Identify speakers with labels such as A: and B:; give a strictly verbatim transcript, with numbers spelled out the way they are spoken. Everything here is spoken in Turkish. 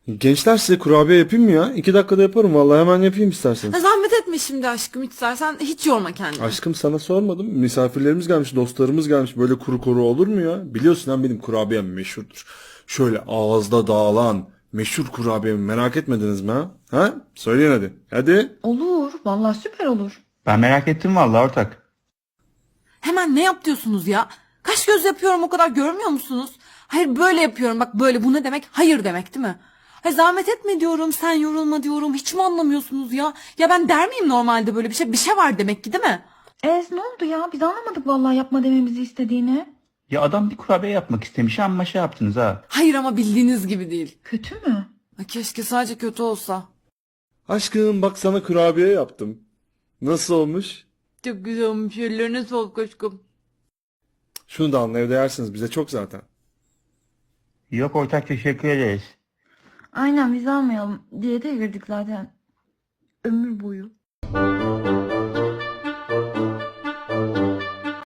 A: Gençler size kurabiye yapayım mı ya? İki dakikada yaparım vallahi, hemen yapayım isterseniz.
B: Ha, zahmet etme şimdi aşkım, istersen hiç yorma kendini.
A: Aşkım sana sormadım. Misafirlerimiz gelmiş, dostlarımız gelmiş. Böyle kuru kuru olur mu ya? Biliyorsun hem benim kurabiyem meşhurdur. Şöyle ağızda dağılan meşhur kurabiyemi merak etmediniz mi ha? Ha? Söyleyin hadi. Hadi.
C: Olur. Vallahi süper olur.
D: Ben merak ettim vallahi ortak.
B: Hemen ne yap diyorsunuz ya? Kaş göz yapıyorum, o kadar görmüyor musunuz? Hayır, böyle yapıyorum, bak böyle. Bu ne demek? Hayır demek değil mi? Hayır, zahmet etme diyorum, sen yorulma diyorum. Hiç mi anlamıyorsunuz ya? Ya ben der miyim normalde böyle bir şey? Bir şey var demek ki, değil mi?
C: Ez ne oldu ya? Biz anlamadık vallahi yapma dememizi istediğini.
D: Ya adam bir kurabiye yapmak istemiş ama şey yaptınız ha.
B: Hayır ama bildiğiniz gibi değil.
C: Kötü mü?
B: Ha, keşke sadece kötü olsa.
A: Aşkım bak sana kurabiye yaptım. Nasıl olmuş?
B: Çok güzel olmuş. Ellerine sağlık aşkım.
A: Şunu da alın, evde yersiniz, bize çok zaten.
D: Yok ortak, teşekkür ederiz.
C: Aynen biz almayalım. Diyete girdik zaten. Ömür boyu.